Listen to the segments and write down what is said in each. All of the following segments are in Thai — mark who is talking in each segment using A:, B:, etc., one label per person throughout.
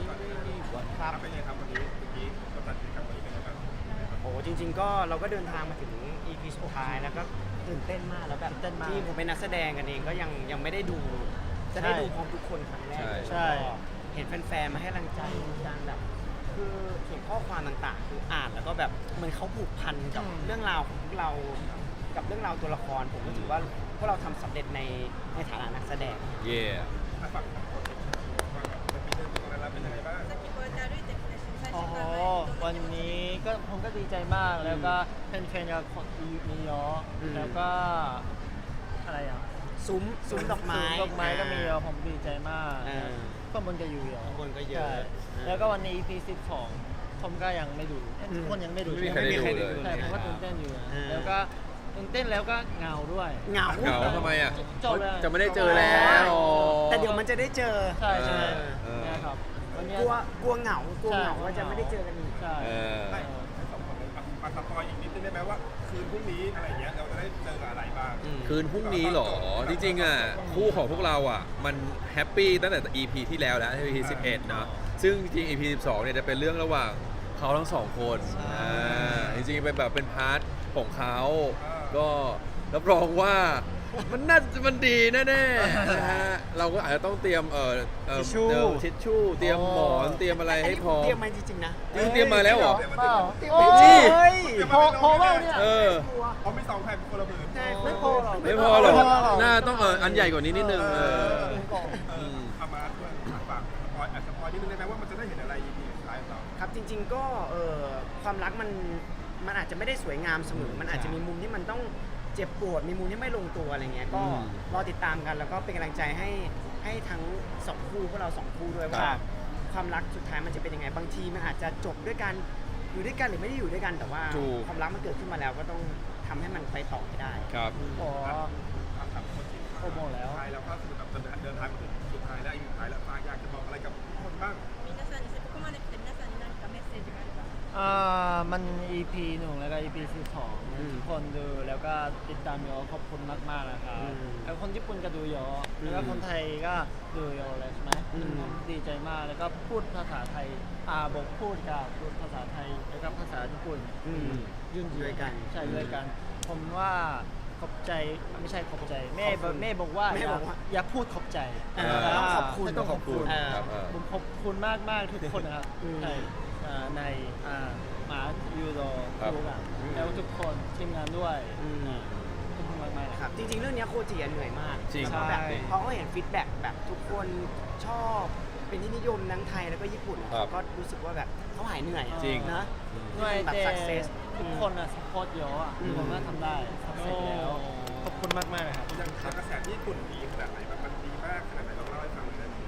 A: ก่อนครับเป็นไงครับวันนี้เมื่อกี้ก็ตัดสินกับวันนี้เป็นไงบ้าง
B: โอ้จริงๆก็เราก็เดินทางมาถึง EP สุดท้ายแล้วก็ตื่นเต้นมากแล้วแบบที่ผมเป็นนักแสดงกันเองก็ยังไม่ได้ดูจะได้ดูพร้อมทุกคนครั้งแรก
C: ใช่
B: แล้วก็เห็นแฟนๆมาให้กำลังใจการแบบคือเขียนข้อความต่างๆคืออ่านแล้วก็แบบเหมือนเขาผูกพันกับเรื่องราวของพวกเรากับเรื่องราวตัวละครผมก็ถือว่าพวกเราทำสำเร็จในฐานะนักแสดง
C: เย่
A: ฝั่งคนว่าแบบเป็นปีเตอร์ตรงนั้นแล้วเป็นยังไงบ้าง
D: อ๋อวันนี้ก็ผมก็ดีใจมากแล้วก็แฟนๆก็มีเยอะแล้วก็อะไรอ่ะ
B: ซุ้มดอกไม้
D: ดอกไม้ก็มีเยอะผมดีใจมาก คนบนก็อยู่เยอะ
B: คนก็เยอะ
D: ใช่แล้วก็วันนี้ EP 12ผมก็ยังไม่ดูทุกคนยังไม่ดู
C: ไม่มีใครได้ดูเลย
D: ใช่ผมก็ตื่นเต้นอยู่นะ
B: เออ
D: แล้วก็ตื่นเต้นแล้วก็เหงาด้วย
B: เหงา
C: เหงาทำไมอ่ะ
D: จบแล้ว
C: จะไม่ได้เจอแล้ว
B: แต่เดี๋ยวมันจะได้เจอ
D: ใช่ใช่
C: เออ
D: นะครับวันนี้
B: กลัวเหงว่าจะไม่ได้เจอกันอีก
D: ใช่
C: เออ
A: ให้สองคนเลยมาสปอยอีกนิดนึงได้ไหมว่าคืนพรุ่งนี้อะไรเงี้ยเราจะได้เจออะไรบ้าง
C: คืนพรุ่งนี้เหรอ จริงๆอ่ะคู่ของพวกเราอ่ะมันแฮปปี้ตั้งแต่ EP ที่แล้วแล้ว EP 11เนาะซึ่งจริง EP 12เนี่ยจะเป็นเรื่องระหว่างเขาทั้งสองคนจริงๆเป็นแบบเป็นพาร์ทของเขาก็รับรองว่ามันดีแน่ๆนะฮะเราก็อาจจะต้องเตรียมทิชชู่เตรียมหมอนเตรียมอะไรให้พร้อม
B: เตรียมมาจริงๆนะ
C: เตรียมมาแล้วเหรอ
D: เปล่า
B: เตรียม
D: โอ้
B: ไปจริง
D: ยพอเปล่าเนี่ย
C: เออ
A: เขาไม่2 แผ่นคนละหมื่น
D: ไม่พอหรอก
C: ไม่พอหรอกหน้าต้องอันใหญ่กว่านี้นิดนึง
A: เอามาด้วยฝากสปอยนิดนึงได้ไหมว่ามันจะได้เห็นอะไร EP สุดท้ายของเรา
B: ครับจริง ๆก็ความรักมันอาจจะไม่ได้สวยงามเสมอมันอาจจะมีมุมที่มันต้องเจ็บปวดมีมุมที่ไม่ลงตัวอะไรเงี้ยก็รอติดตามกันแล้วก็เป็นกำลังใจให้ทั้งสองคู่พวกเราสองคู่ด้วยว่าความรักสุดท้ายมันจะเป็นยังไงบางทีมันอาจจะจบด้วยกันอยู่ด้วยกันหรือไม่ได้อยู่ด้วยกันแต่ว่าความรักมันเกิดขึ้นมาแล้วก็ต้องทำให้มันไปต่อให้ได้
C: ครับ
D: โอ้
A: ถามคนที่
D: โอ้โหแล้ว
A: ท้ายแล้วก็คือแบบเดินทางมาถึงสุดท้ายแล้วอีกสุดท้ายแล้วฝากอยากจะบอกอะไรกับคนบ้าง
D: มัน EP 1แล้วก็ EP 12ทุกคนดูแล้วก็ติดตามเยอะขอบคุณมากๆนะครับแล้วคนญี่ปุ่นก็ดูเยอะแล้วก็คนไทยก็ดูเยอะเลยใช่ไหมผมดีใจมากแล้วก็พูดภาษาไทยบอกพูดภาษาไทยแล้วก็ภาษาญี่ปุ่นยุ่นด้วยกันใช่ด้วยกันผมว่าขอบใจไม่ใช่ขอบใจแม่บอกว่าอย่าพูดขอบใจต้องขอบคุณ ผมขอบคุณมากๆทุกคนนะครับในมายูโรคู่กันแล้วทุกคนทีมงานด้วยขอบคุณมากๆ
B: ครับจริงๆเรื่องนี้โคจิเหนื่อยมาก
C: จริง
B: เพราะแบบเพราะเขาเห็นฟีดแบ็กแบบทุกคนชอบเป็นที่นิยมทั้งไทยแล้วก็ญี่ปุ่นเขาก็รู้สึกว่าแบบเขาหายเหนื่อย
C: จริง
B: นะ
D: ด้วย
B: แบบ
D: แต่
B: success
D: ทุกคนสปอร์ตเยอะผมว่าทำได้สำเร็จแล้วขอบคุณมากๆเลยครับ
A: ยังกระแสที่ญี่ปุ่นดีขนาดไหนแบบมันดีมากขนาดไหนลองเล่าให้ฟังหน่อยได้ไหม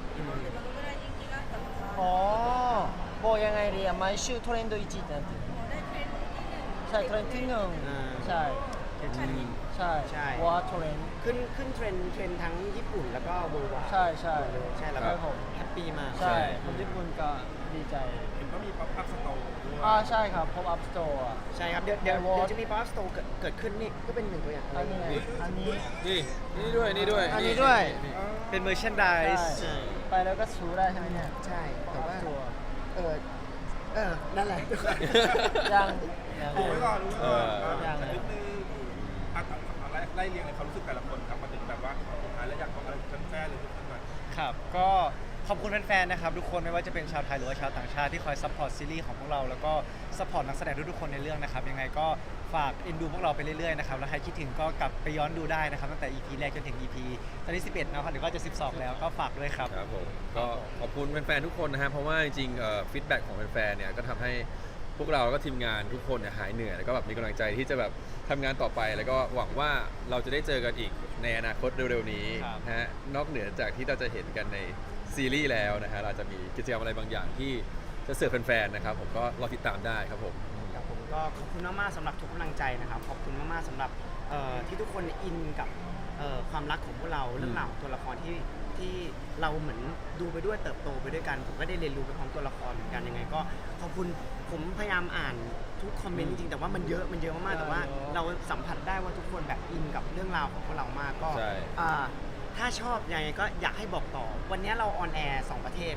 D: อ๋อบอกยังไงดี毎週トレンド1位ってなってるใช่เทรนด์ที่1ใช่ใช่ว่าเทรนด์
B: ขึ้นเทรนด์ทั้งญี่ปุ่นแล้วก็เวอร์วา
D: ใช่
B: ใช่แล้วก็แฮปปี้มาก
D: ใช่คนญี่ปุ่นก็ดีใจ
A: เห็นว่ามีป๊อปอัพสโตร์ด้วย
D: ใช่ครับ Pop Up Store
B: ใช่ครับเดี๋ยวจะมีป๊อปสโตร์เกิดขึ้นนี่ก็เป็นหนึ่งตัวอย่าง
D: อันนี้
C: นี่ด้วย
D: อันนี้ด้วย
B: เป็นเมอร์ชันดิส
D: ใช่ไปแล้วก็ซื้อได้ใช่ไหมเนี่ย
B: ใช่แต่
D: Pop
B: ว่า
D: Up Store
B: นั่นแหละ
D: ยัง
A: รู้ไว้ก่อนนิดนึงไล่เรียงเลยเขารู้สึกแต่ละคนครับมาถึงแบบว่าสุดท้ายแล้วอยากบอกอะไรแฟนๆหรือทุกคนหน่อย
E: ครับก็ขอบคุณแฟนๆนะครับทุกคนไม่ว่าจะเป็นชาวไทยหรือว่าชาวต่างชาติที่คอยซัพพอร์ตซีรีส์ของพวกเราแล้วก็ซัพพอร์ตนักแสดงทุกๆคนในเรื่องนะครับยังไงก็ฝากเอ็นดูพวกเราไปเรื่อยๆนะครับแล้วใครคิดถึงก็กลับไปย้อนดูได้นะครับตั้งแต่ EP แรกจนถึง EP ตอนนี้11นะครับหรือว่าจะ12แล้วก็ฝากด้วยครับ
C: ครับผมก็ขอบคุณแฟนๆทุกคนนะฮะเพราะว่าจริงๆฟีดแบ็กของแฟนๆเนี่ยก็ทำให้พวกเราแล้วก็ทีมงานทุกคนเนี่ยหายเหนื่อยแล้วก็แบบมีกำลังใจที่จะแบบทำงานต่อไปแล้วก็หวังว่าเราจะได้เจอกันอีกในอนาคตเร็วๆนี้
E: ครับ
C: นะฮะนอกเหนือจากที่เราจะเห็นกันในซีรีส์แล้วนะฮะเราจะมีกิจกรรมอะไรบางอย่างที่จะเสิร์ฟแฟนๆนะครับผมก็รอติดตามได้ครับผม
B: ครับผมก็ขอบคุณมากๆสำหรับทุกกำลังใจนะครับขอบคุณมากๆสำหรับที่ทุกคนอินกับความรักของพวกเราเรื่องราวของตัวละครที่เราเหมือนดูไปด้วยเติบโตไปด้วยกันผมก็ได้เรียนรู้ไปพร้อมตัวละครเหมือนกันยังไงก็ขอบคุณผมพยายามอ่านทุกคอมเมนต์จริงๆแต่ว่ามันเยอะมากๆแต่ว่าเราสัมผัสได้ว่าทุกคนแบบอินกับเรื่องราวของพวกเรามากก็
C: ใช่
B: ถ้าชอบยังไงก็อยากให้บอกต่อวันนี้เราออนแอร์2ประเทศ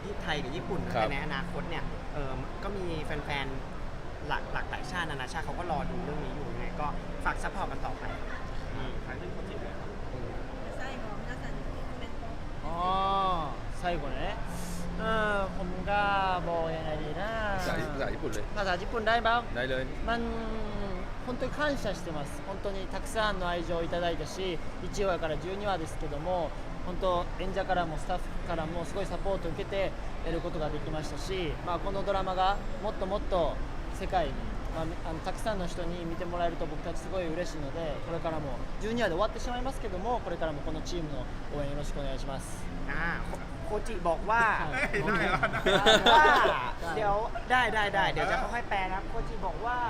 B: ที่ไทยกับญี่ปุ่น
C: ครับ
B: แต่ในอนาคตเนี่ยก็มีแฟนๆหลากหลายชาตินานาชาติเขาก็รอดูเรื่องนี้อยู่ไงก็ฝากซัพพอร์ตกันต่อไป
A: ใครที่คนจีบเลยครับ
F: 最後皆さんにコメント
D: 最後ねผมก็บอกยังไงดีนะ
C: ภาษาญี่ปุ่นเลย
D: ภาษาญี่ปุ่นได้บ้าง
C: ได้เลย
D: มัน本当に感謝してます。本当にたくさんの愛情をいただいたし、1話から12話ですけども、本当演者からもスタッフからもすごいサポートを受けてやることができましたし、このドラマがもっともっと世界に、たくさんの人に見てもらえると僕たちすごい嬉しいので、これからも12話で終わってしまいますけども、これからもこのチームの応援よろしくお願いします。
B: โคจิบอกว่า
A: ได้เหรอ
B: ว่าเดี๋ยวได้เดี๋ยวจะค่อยๆแปลนะครับโคจิบอกว่า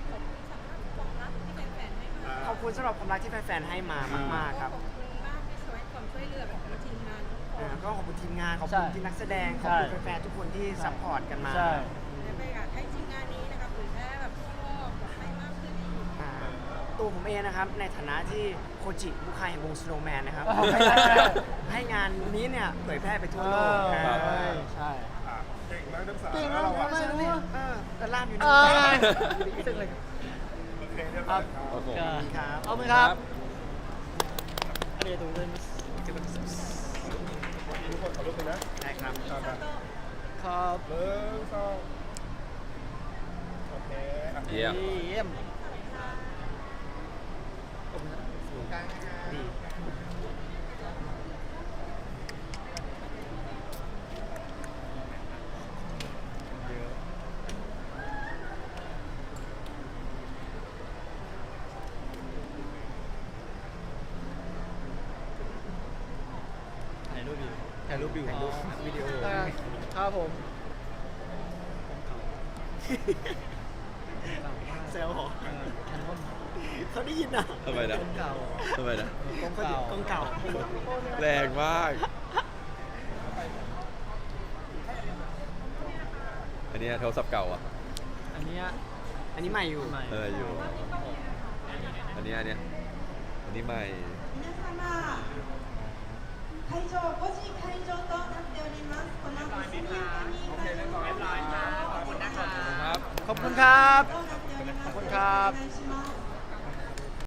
F: ขอบคุณสำหรับความรักที่แฟนๆให้มา
B: ขอบคุณสำหรับความรักที่แฟนๆให้มามากๆครับ
F: ขอบคุณมากที่ช่วยความช่วยเหลือแบบทีมงานทุกคน
B: ก็ขอบคุณทีมงานขอบ
D: ใช่
B: คุณทีมนักแสดงขอบคุณแฟนๆทุกคนที่ซัพพอร์ตกันมา
D: ใช่
F: และไปอยากให้ทีมงานนี้นะครับเผยแพร่แบบทั่วโลกแบบให้มากขึ้นอีก
B: ตัวผมเองนะครับในฐานะที่โคจิลูกค้าแห่งวงสโนว์แมนนะครับ ให้งานนี้เนี่ยเผยแพร่ไปทั่วโลก
D: ใช่
A: อ่ะเก่งมากทั้งสาม
D: เก่ง
A: แล้ว
D: มาก
A: เราอ่ะ
D: ไม่รู้อะ
B: แต่ล่ามอยู่
D: เอ
B: นี่
D: อ
A: โอเคเรียบร้อยครับ
D: ขอบคุณครับありがとうございます
A: ทุกคนขอรูปหนึ่งนะ
B: ได้ครับ
A: ครับ
D: ครับ
A: หนึ่งสองโอเคอ่ะ
C: เยี่ยม
D: เยี่ยม
B: ดี
E: ถ่ายรูปอยู่วิดีโอ
D: ครับผม
B: เซลล์เหรอเขาได้ยินนะ
C: ทำไมนะ
D: เก่า
C: ทำไมนะ
D: กล้องเก่าก
B: ล้องเก่า
C: แรงมาก อันเนี้ยโทรศัพท์เก่าอ่ะ
D: อันเนี้ย
B: อันนี้ใหม่อยู่
D: ใหม่
C: อยู่ อันนี้ใหม่
F: 皆様会場5時会場となっておりますこの後速やかに会場の方を
C: ครับ
D: ขอบคุณครับ
F: となっております
D: ขอบคุณครับ
F: お願いします